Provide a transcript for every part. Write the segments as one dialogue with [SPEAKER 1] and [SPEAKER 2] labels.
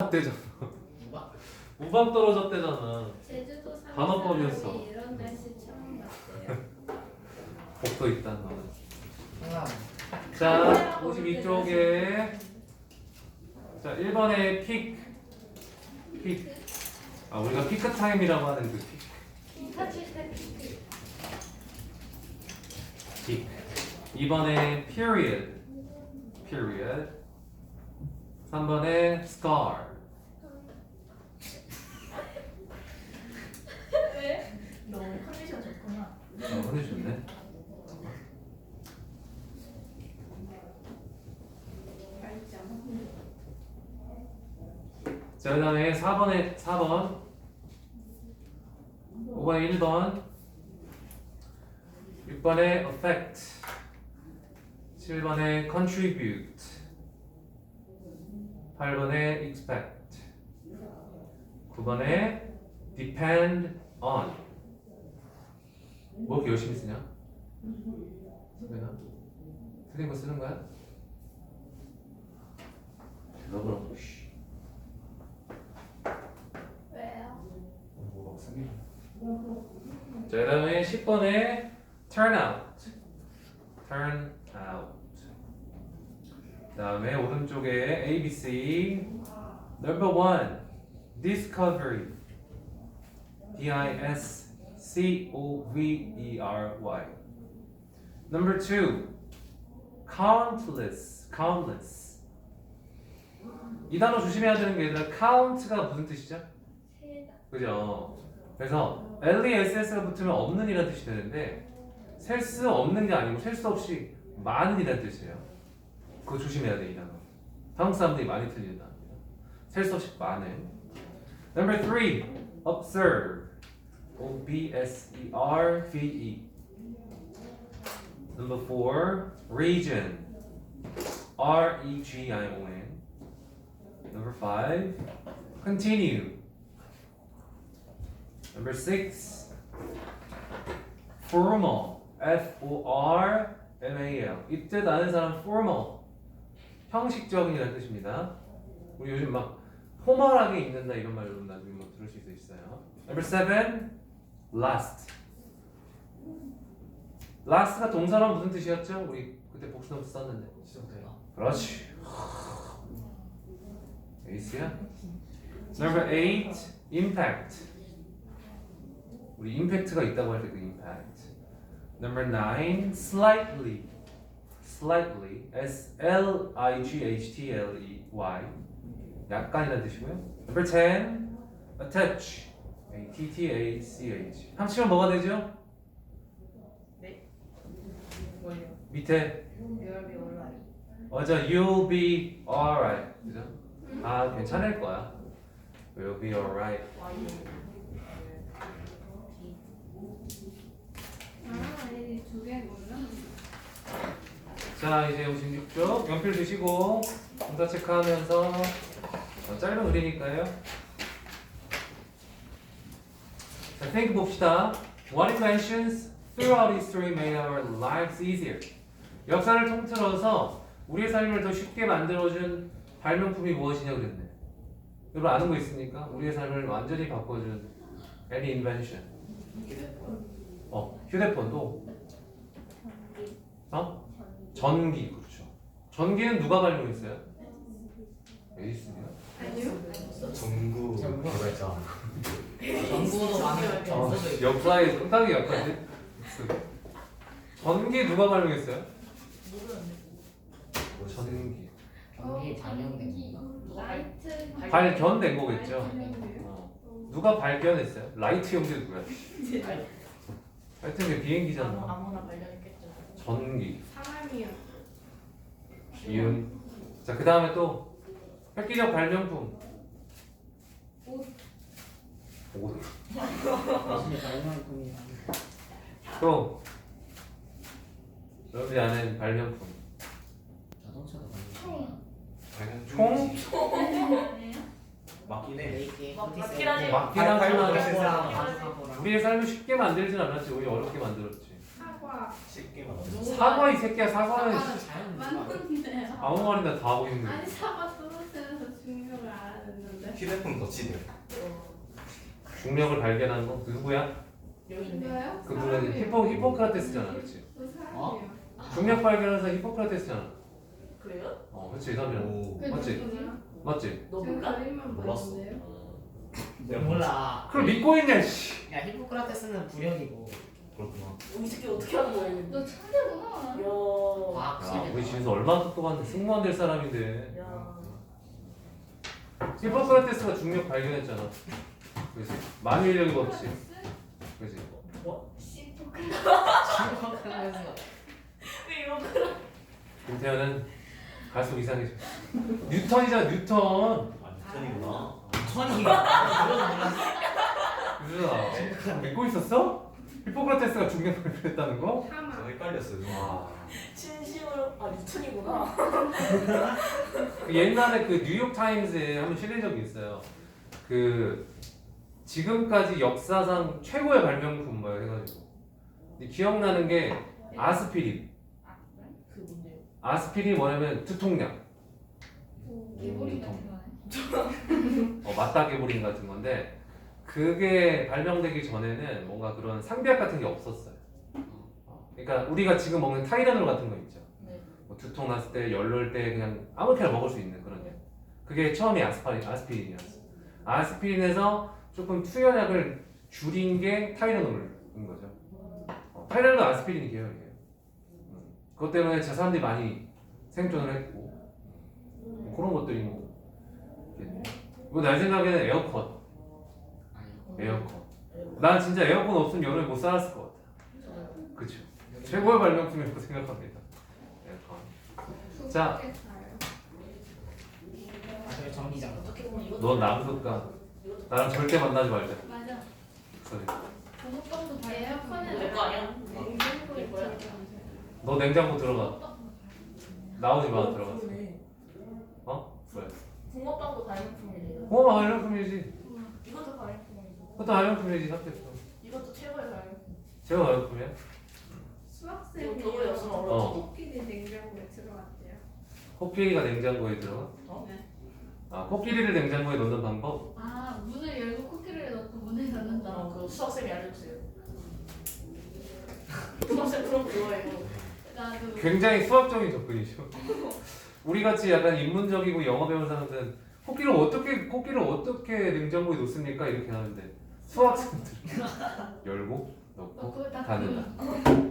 [SPEAKER 1] 떨어졌대잖아. 우박 떨어졌대잖아.
[SPEAKER 2] 제주도 사는
[SPEAKER 1] 단어법이었어.
[SPEAKER 2] 사람이 이런 날씨 처음 봤대요.
[SPEAKER 1] 복도 있다는 거.
[SPEAKER 3] 하나.
[SPEAKER 1] 자, 52쪽에 자 1번에 픽. 아 우리가 피크 타임이라고 하는 그 픽.
[SPEAKER 2] 터질 때 피크.
[SPEAKER 1] 픽. 2번에 period. 3번에 scar.
[SPEAKER 2] 왜?
[SPEAKER 4] 너 컨디션 좋구나.
[SPEAKER 1] 보내주네.
[SPEAKER 2] 발전.
[SPEAKER 1] 자, 그 다음에 4번 5번에 1번 6번에 affect 7번에 contribute 8번에 expect 9번에 depend on 뭐 이렇게 열심히 쓰냐? 선배나? 틀린 거 쓰는 거야? 대답을 씨.
[SPEAKER 2] 왜요?
[SPEAKER 1] 뭐막 쓰기. 자, 그 다음에 10번에 turn out. 그 다음에 오른쪽에 ABC number 1 discovery discovery number 2 countless 이 단어 조심해야 되는 게 얘들아 count가 무슨 뜻이죠?
[SPEAKER 2] 세다.
[SPEAKER 1] 그죠? 그래서 LESS가 붙으면 없는 이라는 뜻이 되는데 셀 수 없는 게 아니고 셀 수 없이 많은 이라는 뜻이에요. 그거 조심해야 돼 이 단어. 한국 사람들이 많이 틀리는 단어입니다. 셀 수 없이 많은. Number 3, observe. O-B-S-E-R-V-E. Number 4, region. R-E-G-I-O-N. Number 5, continue. Number 6, formal. F-O-R-M-A-L. 이 뜻 아는 사람 formal. 형식적인이라는 뜻입니다. 우리 요즘 막 포멀하게 입는다 이런 말로 나중에 뭐 들을 수 있어요. Number 7, last. last가 동사란 무슨 뜻이었죠? 우리 그때 복수노트 썼는데. 그렇지. 에이스야. Number 8, impact. 우리 임팩트가 있다고 할 때 그 impact. Number 9, slightly. S-L-I-G-H-T-L-E-Y. 약간이라는 뜻이고요. Number 10, attach. A-T-T-A-C-H. 합치면 뭐가 되죠?
[SPEAKER 4] 네. 뭘요?
[SPEAKER 1] 밑에
[SPEAKER 4] You'll be alright.
[SPEAKER 1] 맞아. You'll be alright. 그죠? 아 괜찮을 거야. You'll be alright.
[SPEAKER 2] 아, 이 두 개구나.
[SPEAKER 1] 자 이제 56쪽 연필 드시고 동사 체크하면서 짧은 글이니까요. 자, think 봅시다. What inventions throughout history made our lives easier? 역사를 통틀어서 우리의 삶을 더 쉽게 만들어준 발명품이 무엇이냐 그랬네. 여러분 아는 거 있습니까? 우리의 삶을 완전히 바꿔준 any invention. 휴대폰도 전기 그렇죠. 전기는 누가 발명했어요? 에디슨이요?
[SPEAKER 2] 아니요.
[SPEAKER 3] 전구 개발자.
[SPEAKER 4] 전구도 많이
[SPEAKER 1] 역사에 상당히 약한데. 전기 누가 발명했어요? 전기.
[SPEAKER 3] 전기 발명된 건가?
[SPEAKER 2] 라이트.
[SPEAKER 1] 발견된 거겠죠.
[SPEAKER 2] 발견돼요?
[SPEAKER 1] 누가 발견했어요? 라이트 형제 누구야?
[SPEAKER 4] 네.
[SPEAKER 1] 하여튼 그 비행기잖아.
[SPEAKER 4] 아무나 발견했겠죠.
[SPEAKER 1] 전기.
[SPEAKER 2] 사람이요.
[SPEAKER 1] 이음. 자, 그 다음에 또 획기적 발명품.
[SPEAKER 2] 옷.
[SPEAKER 1] 옷.
[SPEAKER 3] 전기 발명품이
[SPEAKER 1] 또 여러분이 아는 발명품.
[SPEAKER 3] 자동차도 발명품.
[SPEAKER 1] 총?
[SPEAKER 3] 맞긴 해.
[SPEAKER 4] 맞긴 하지.
[SPEAKER 1] 맞긴 하지만
[SPEAKER 3] 세상
[SPEAKER 1] 우리의 삶을 쉽게 만들진 않았지. 오히려 어렵게 만들었지.
[SPEAKER 2] 사과.
[SPEAKER 3] 쉽게 만들어.
[SPEAKER 1] 사과 이 새끼야. 사과는
[SPEAKER 3] 사과는 자연인 거
[SPEAKER 2] 맞는데요.
[SPEAKER 1] 아무 말이나 다 하고 있는 거야.
[SPEAKER 2] 아니 사과 떨어뜨려서 중요를 알았는데.
[SPEAKER 5] 휴대폰 덧치네.
[SPEAKER 1] 중력을 발견한 거 누구야?
[SPEAKER 4] 여기 있네.
[SPEAKER 2] 진짜요?
[SPEAKER 1] 그분은 히포크라테스잖아, 그렇지?
[SPEAKER 2] 저 사람이에요.
[SPEAKER 1] 중력 발견해서 히포크라테스잖아.
[SPEAKER 4] 그래요?
[SPEAKER 1] 그렇지 이 사람이랑
[SPEAKER 5] 오.
[SPEAKER 2] 그
[SPEAKER 1] 맞지?
[SPEAKER 2] 누구냐?
[SPEAKER 1] 맞지?
[SPEAKER 4] 너
[SPEAKER 2] 제가
[SPEAKER 4] 몰라?
[SPEAKER 2] 그림만
[SPEAKER 5] 몰랐어.
[SPEAKER 2] 봤는데요.
[SPEAKER 3] 너 몰라.
[SPEAKER 1] 그걸 믿고 있냐? 씨.
[SPEAKER 3] 야 히포크라테스는 불연이고
[SPEAKER 5] 그렇구나.
[SPEAKER 4] 이 새끼 어떻게 하는 거야 이거?
[SPEAKER 2] 너 천재구나.
[SPEAKER 4] 야.
[SPEAKER 3] 과학
[SPEAKER 1] 야, 우리
[SPEAKER 3] 세계다.
[SPEAKER 1] 진수 얼마나 똑똑한데 승무원 될 사람인데.
[SPEAKER 4] 야.
[SPEAKER 1] 히포크라테스가 중력 발견했잖아. 그렇지? 만유인력이 없지. 그렇지?
[SPEAKER 4] 뭐?
[SPEAKER 3] 심각하면서
[SPEAKER 4] 왜 이런 거?
[SPEAKER 1] 김태현은 갈수록 이상해져. 뉴턴이잖아, 뉴턴.
[SPEAKER 5] 아 뉴턴이구나.
[SPEAKER 3] 천이가 그건 몰랐어.
[SPEAKER 1] 유준아, 믿고 있었어? 히포크라테스가 중력 발견했다는 거?
[SPEAKER 5] 저
[SPEAKER 2] 사마.
[SPEAKER 5] 헷갈렸어요.
[SPEAKER 1] 와.
[SPEAKER 4] 진심으로 아 뉴턴이구나.
[SPEAKER 1] 옛날에 그 뉴욕 타임즈에 한번 실린 적이 있어요. 그 지금까지 역사상 최고의 발명품 뭐 해가지고. 근데 기억나는 게 아스피린.
[SPEAKER 4] 그 뭔데요?
[SPEAKER 1] 아스피린 뭐냐면 두통약.
[SPEAKER 2] 개구리 같은 거네.
[SPEAKER 1] 맞다개보린 같은 건데 그게 발명되기 전에는 뭔가 그런 상비약 같은 게 없었어요. 그러니까 우리가 지금 먹는 타이레놀 같은 거 있죠.
[SPEAKER 4] 네.
[SPEAKER 1] 뭐 두통 났을 때, 열놀 때 그냥 아무렇게나 먹을 수 있는 그런 약. 그게 처음에 아스피린이었어. 아스피린에서 조금 투여약을 줄인 게 타이레놀인 거죠. 타이레놀도 아스피린 계열이에요. 그것 때문에 저 사람들이 많이 생존을 했고 그런 것들이 뭐 있겠네. 이거 내 생각에는 에어컨. 에어컨. 난 진짜 에어컨 없으면 여름에 못 살았을 것 같아.
[SPEAKER 4] 저도요.
[SPEAKER 1] 그쵸? 최고의 발명품이라고 생각합니다. 에어컨. 자.
[SPEAKER 3] 저기 전기장.
[SPEAKER 4] 어떻게 보면 이것도
[SPEAKER 1] 넌 남극가. 나랑 절대 만나지 말자.
[SPEAKER 2] 맞아.
[SPEAKER 1] 그래.
[SPEAKER 2] 저것도 다 에어컨에
[SPEAKER 4] 내거 아니야?
[SPEAKER 2] 냉장고에
[SPEAKER 4] 내 거야?
[SPEAKER 2] 들어가면서요.
[SPEAKER 1] 너 냉장고 들어가. 나오지 마 들어가.
[SPEAKER 4] 그러네.
[SPEAKER 1] 왜?
[SPEAKER 4] 붕어빵도 발명품이래요.
[SPEAKER 1] 발명품이지.
[SPEAKER 4] 이것도 발명품이고.
[SPEAKER 1] 그것도 발명품이지 합격도.
[SPEAKER 4] 이것도 최고의 발명품.
[SPEAKER 1] 제가 발명품이야?
[SPEAKER 2] 수학생이
[SPEAKER 4] 겨울에 없으면 얼어.
[SPEAKER 2] 코끼리 냉장고에 들어갔대요.
[SPEAKER 1] 코끼리가 냉장고에 들어가?
[SPEAKER 2] 네.
[SPEAKER 1] 코끼리를 냉장고에 넣는 방법?
[SPEAKER 2] 아 문을 열고 코끼리를 넣고 문을 닫는다.
[SPEAKER 4] 그 수학쌤이 알려주세요. 수학쌤 그런 거 좋아해요.
[SPEAKER 2] 나도
[SPEAKER 1] 굉장히 수학적인 접근이죠. 우리 같이 약간 인문적이고 영어 배운 사람들은 코끼리를 어떻게 냉장고에 놓습니까? 이렇게 하는데 수학생들 열고 넣고
[SPEAKER 2] 그걸 다
[SPEAKER 1] 닫는다.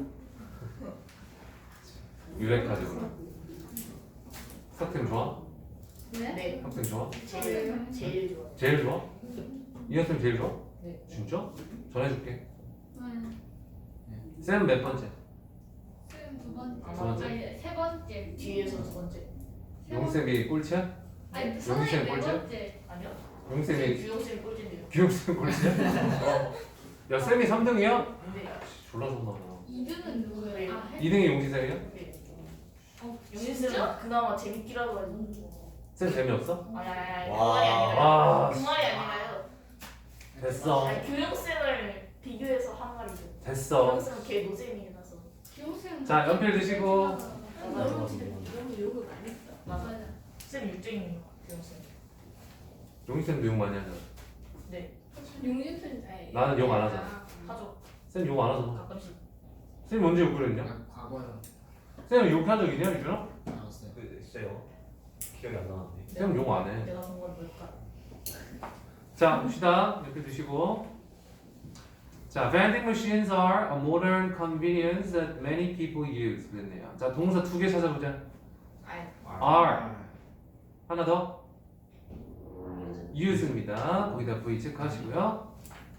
[SPEAKER 1] 유레카죠 그럼. 수학생 좋아?
[SPEAKER 2] 네?
[SPEAKER 4] 네.
[SPEAKER 1] 학생 좋아?
[SPEAKER 4] 제일 좋아.
[SPEAKER 1] 제일 좋아? 이 학생 제일 좋아?
[SPEAKER 4] 네.
[SPEAKER 1] 진짜? 전해줄게.
[SPEAKER 2] 네.
[SPEAKER 1] 쌤 몇 번째?
[SPEAKER 2] 쌤두 번째.
[SPEAKER 4] 두
[SPEAKER 1] 번째?
[SPEAKER 2] 아니 세 번째.
[SPEAKER 4] 뒤에서 두 번째.
[SPEAKER 1] 용쌤이 꼴찌야?
[SPEAKER 2] 아니
[SPEAKER 1] 용기
[SPEAKER 2] 선생님
[SPEAKER 1] 쌤
[SPEAKER 2] 네
[SPEAKER 1] 꼴찌야?
[SPEAKER 4] 아니요?
[SPEAKER 2] 번째.
[SPEAKER 1] 용쌤이
[SPEAKER 4] 규영쌤이 꼴찌인데요.
[SPEAKER 1] 기용쌤 꼴찌야? 야 쌤이 3등이야?
[SPEAKER 4] 근데
[SPEAKER 1] 졸라 좋나
[SPEAKER 2] 2등은 누구예요? 아, 해?
[SPEAKER 1] 2등이 용지쌤이야?
[SPEAKER 4] 네.
[SPEAKER 2] 어,
[SPEAKER 4] 용진쌤은 그나마 재밌기라고 해가지고.
[SPEAKER 1] 쌤 재미없어?
[SPEAKER 4] 아니 그
[SPEAKER 5] 와.
[SPEAKER 4] 말이 아니라요.
[SPEAKER 1] 와
[SPEAKER 4] 그 말이 아니라요.
[SPEAKER 1] 됐어
[SPEAKER 4] 아니 교영쌤을 비교해서 한 말이죠.
[SPEAKER 1] 됐어
[SPEAKER 4] 교영쌤은 걔 노잼이라서.
[SPEAKER 2] 기용쌤.
[SPEAKER 1] 자, 연필 드시고.
[SPEAKER 4] 너무 진짜 욕을 많이 했다. 맞아.
[SPEAKER 2] 맞아.
[SPEAKER 4] 쌤 육쟁이 교영쌤.
[SPEAKER 1] 용지쌤도 욕 많이 하잖아
[SPEAKER 4] 네.
[SPEAKER 2] 용진쌤 아니.
[SPEAKER 1] 나는 욕안 하잖아.
[SPEAKER 4] 하죠.
[SPEAKER 1] 쌤 욕 안 하잖아
[SPEAKER 4] 가끔씩.
[SPEAKER 1] 쌤 언제 욕을 했냐?
[SPEAKER 3] 과거요.
[SPEAKER 1] 쌤 욕한 적 있냐 유준아?
[SPEAKER 3] 알았어요.
[SPEAKER 5] 진짜요? 기억이 안 나는데.
[SPEAKER 1] 쌤 욕 안 해.
[SPEAKER 4] 내가 본 건 뭘까?
[SPEAKER 1] 자 봅시다 연필 드시고 자 vending machines are a modern convenience that many people use 그랬네요 자 동사 두 개 찾아보자 are 하나 더 use입니다 거기다 V 체크하시고요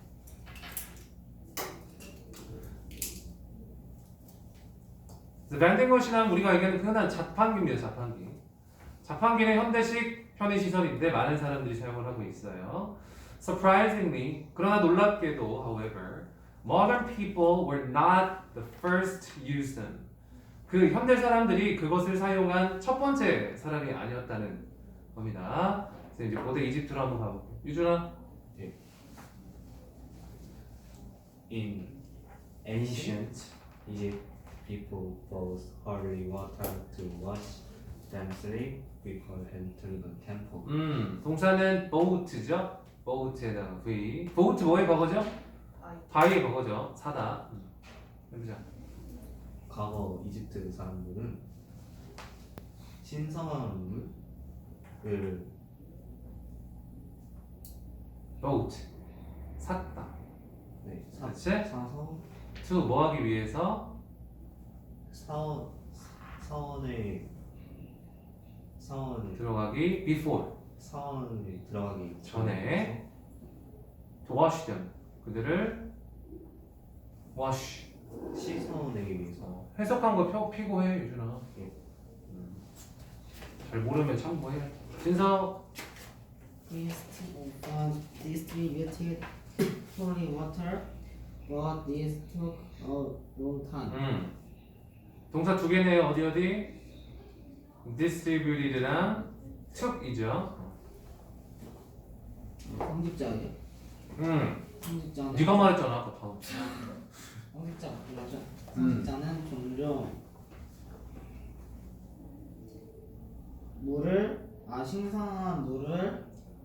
[SPEAKER 1] vending machine 하면 우리가 얘기하는 흔한 자판기입니다 자판기 자판기는 현대식 편의시설인데 많은 사람들이 사용을 하고 있어요 Surprisingly, 그러나 놀랍게도, however, modern people were not the first to use them. 그 현대 사람들이 그것을 사용한 첫 번째 사람이 아니었다는 겁니다. 그래서 이제 고대 이집트로 한번 가볼게요. 유준아.
[SPEAKER 6] In ancient Egypt, people used holy water to wash then sleep before entering the temple.
[SPEAKER 1] 동사는 boat죠. boat에다가 v. boat 뭐의 과거죠? 바위의 과거죠. 사다. 해보자.
[SPEAKER 6] 과거 이집트 사람들은 신성한 물을
[SPEAKER 1] boat 샀다.
[SPEAKER 6] 네,
[SPEAKER 1] 그렇지?
[SPEAKER 6] 사서
[SPEAKER 1] to 뭐 하기 위해서?
[SPEAKER 6] 사원에
[SPEAKER 1] 들어가기 before
[SPEAKER 6] 사원에 들어가기
[SPEAKER 1] 전에 to wash them 그들을 wash
[SPEAKER 6] 씻어내기 위해서
[SPEAKER 1] 해석한 거 피고해 유준아.
[SPEAKER 6] 예.
[SPEAKER 1] 잘 모르면 참고해. 진석.
[SPEAKER 3] distributed holy water, but this took a long time.
[SPEAKER 1] 동사 두 개네요. 어디? distributed랑 took이죠.
[SPEAKER 3] 성직자예요? 성직자는
[SPEAKER 1] 네가 말했잖아 아까 다.
[SPEAKER 3] 성직자 맞죠? 성직자는 종종 신선한 물을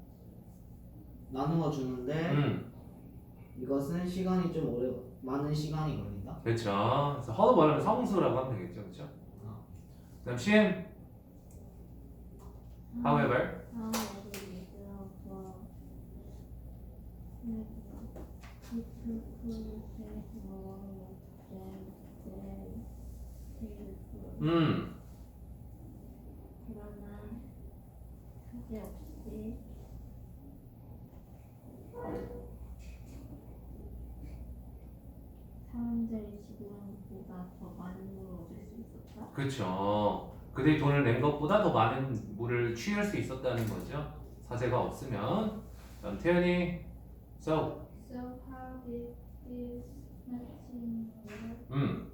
[SPEAKER 3] 나누어 주는데 이것은 시간이 좀 많은 시간이 걸린다.
[SPEAKER 1] 그렇죠. 그래서 허도 말하면 성수라고 하면 되겠죠, 그렇죠? 그다음 CM. However.
[SPEAKER 2] 그러나 그제없이 사람들이 지불한 것보다 더 많은 걸 얻을 수 있었다.
[SPEAKER 1] 그렇죠. 그들이 돈을 낸 것보다 더 많은 물을 취할 수 있었다는 거죠. 사제가 없으면. 그다음 태연이. So.
[SPEAKER 2] So how did this matching work?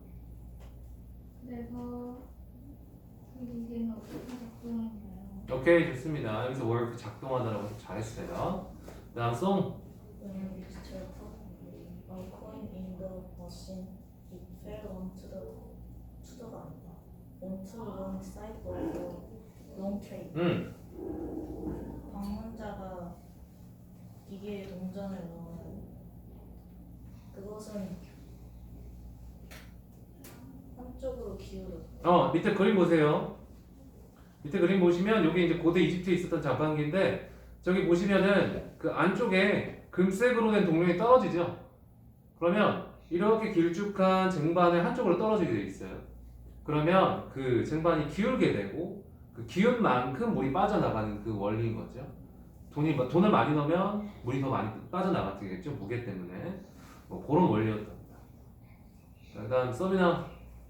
[SPEAKER 2] 그래서 그 기계는 어떻게 작동했나요?
[SPEAKER 1] 오케이 좋습니다. 여기서 work 작동하다라고 해서 잘했어요. 그다음 송.
[SPEAKER 4] When you used to put a coin in the machine, it fell onto the wrong side of the long tray. 방문자가 기계에 동전을 넣으면 그것은 한쪽으로 기울어져.
[SPEAKER 1] 밑에 그림 보세요. 밑에 그림 보시면 여기 이제 고대 이집트에 있었던 자판기인데 저기 보시면은 그 안쪽에 금색으로 된 동전이 떨어지죠. 그러면 이렇게 길쭉한 쟁반의 한쪽으로 떨어지게 돼 있어요. 그러면 그 쟁반이 기울게 되고 그 기운 만큼 물이 빠져나가는 그 원리인 거죠. 돈을 많이 넣으면 물이 더 많이 빠져나가게 되겠죠. 무게 때문에. 뭐 그런 원리였답니다. 자, 그다음 서비나.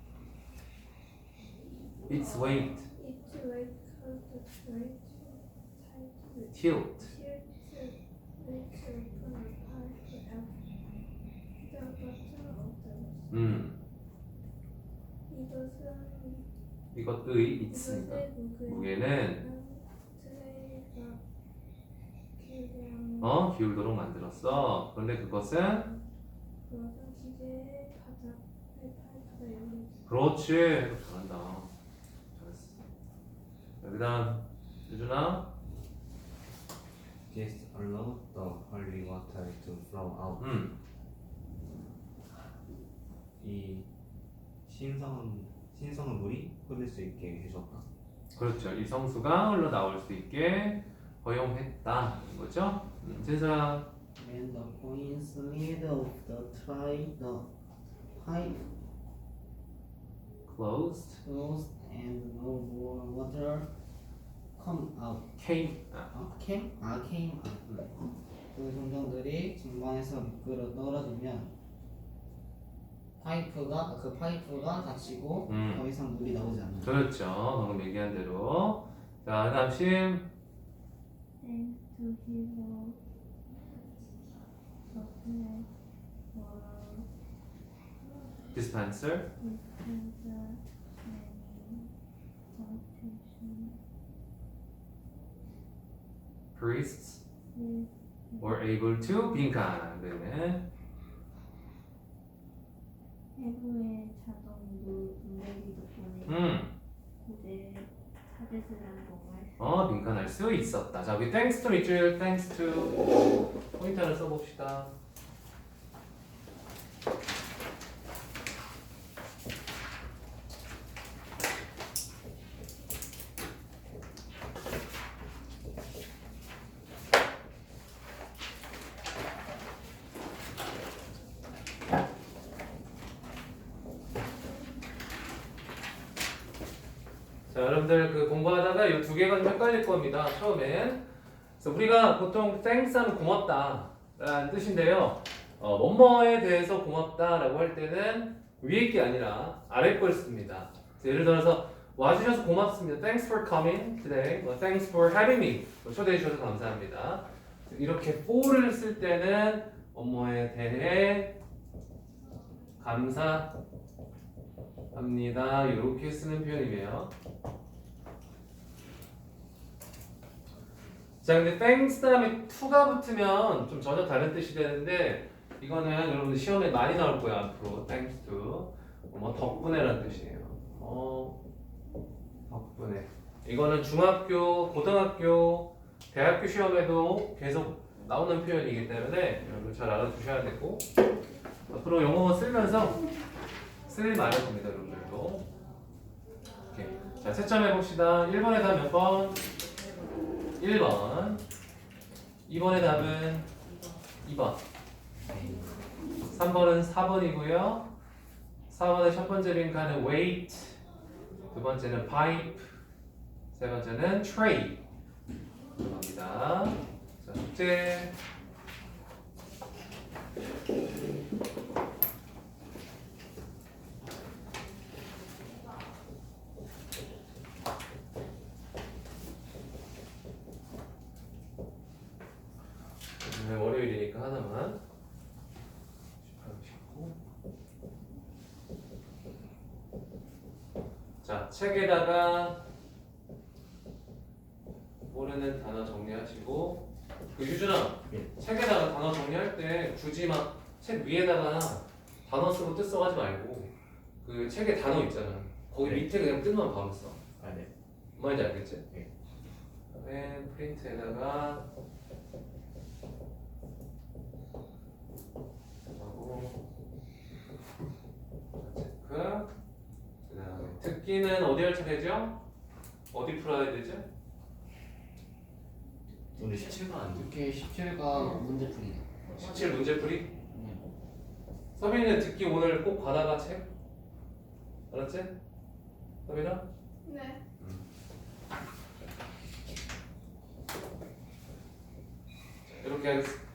[SPEAKER 1] Its weight.
[SPEAKER 2] Its weight caused the tray to
[SPEAKER 1] Tilt.
[SPEAKER 2] which opened a pipe at the bottom of the machine.
[SPEAKER 1] 이것의 있습니다. 무게는
[SPEAKER 2] 트레이가
[SPEAKER 1] 기울도록 만들었어. 그런데 그것은
[SPEAKER 2] 기계의 바닥에 파이프가 열려.
[SPEAKER 1] 그렇지. 잘한다. 잘했어. 자, 그다음 유준아.
[SPEAKER 6] This allowed the holy water to flow out. 이 신성한 물이 흐를 수 있게 해줬다.
[SPEAKER 1] 그렇죠. 이 성수가 흘러 나올 수 있게 허용했다. 거죠? 진서야.
[SPEAKER 3] When the coin slid off the tray, the pipe
[SPEAKER 1] Closed.
[SPEAKER 3] closed and no more water came out. 그 동전들이 쟁반에서 미끄러 떨어지면 그 파이프가 닫히고 더 이상 물이 나오지 않는다.
[SPEAKER 1] 그렇죠. 방금 얘기한 대로. 자, 그다음 심.
[SPEAKER 2] And to hero supply for
[SPEAKER 1] Dispenser.
[SPEAKER 2] dispenser many temptation
[SPEAKER 1] Priests
[SPEAKER 2] with
[SPEAKER 1] were able to 빈칸. 네.
[SPEAKER 2] 해부의 자동 누르기 덕분에 고대 찾으시는 건가요?
[SPEAKER 1] 빈칸할 수 있었다. 자, 우리 thanks to 있죠? thanks to 포인트 하나 써봅시다. 자, 여러분들 그 공부하다가 이 두 개가 좀 헷갈릴 겁니다. 처음엔. 그래서 우리가 보통 thanks 하면 고맙다 라는 뜻인데요. 뭐뭐에 대해서 고맙다라고 할 때는 위에 게 아니라 아래 걸 씁니다. 예를 들어서 와주셔서 고맙습니다. Thanks for coming today. Thanks for having me. 초대해 주셔서 감사합니다. 이렇게 for를 쓸 때는 뭐뭐에 대해 감사합니다. 이렇게 쓰는 표현이에요. 자, 근데 thanks 다음에 to가 붙으면 좀 전혀 다른 뜻이 되는데 이거는 여러분들 시험에 많이 나올 거예요. 앞으로 thanks to 뭐 덕분에라는 뜻이에요. 덕분에. 이거는 중학교, 고등학교, 대학교 시험에도 계속 나오는 표현이기 때문에 여러분 잘 알아두셔야 되고 앞으로 영어 쓰면서 쓸 말일 겁니다, 여러분들도. 오케이. 자, 채점해 봅시다. 1번의 답 몇 번? 1번. 2번의 답은 2번. 3번은 4번이고요. 4번의 첫 번째 빈칸은 wait, 두 번째는 pipe, 세 번째는 tray. 들어갑니다. 자, 숙제. 오늘 월요일이니까 하나만. 19. 자, 책에다가 모르는 단어 정리하시고 그 유준아, 책에다가 단어 정리할 때 굳이 막 책 위에다가 단어 쓰고 뜻 써가지 말고 그 책에 단어 있잖아. 거기 밑에 그냥 뜻만 바로 써.
[SPEAKER 6] 아, 네.
[SPEAKER 1] 뭔지 알겠지?
[SPEAKER 6] 네.
[SPEAKER 1] 그다음에 프린트에다가 하고 체크. 그다음에 듣기는 어디 할 차례죠? 어디 풀어야 되죠?
[SPEAKER 6] 오늘 17번 안 돼.
[SPEAKER 3] 이렇게 17가 문제풀이네.
[SPEAKER 1] 17 문제풀이? 서빈이는 듣기 오늘 꼭 받아가 책? 알았지? 서빈아?
[SPEAKER 2] 네.
[SPEAKER 1] 이렇게 하겠습니다.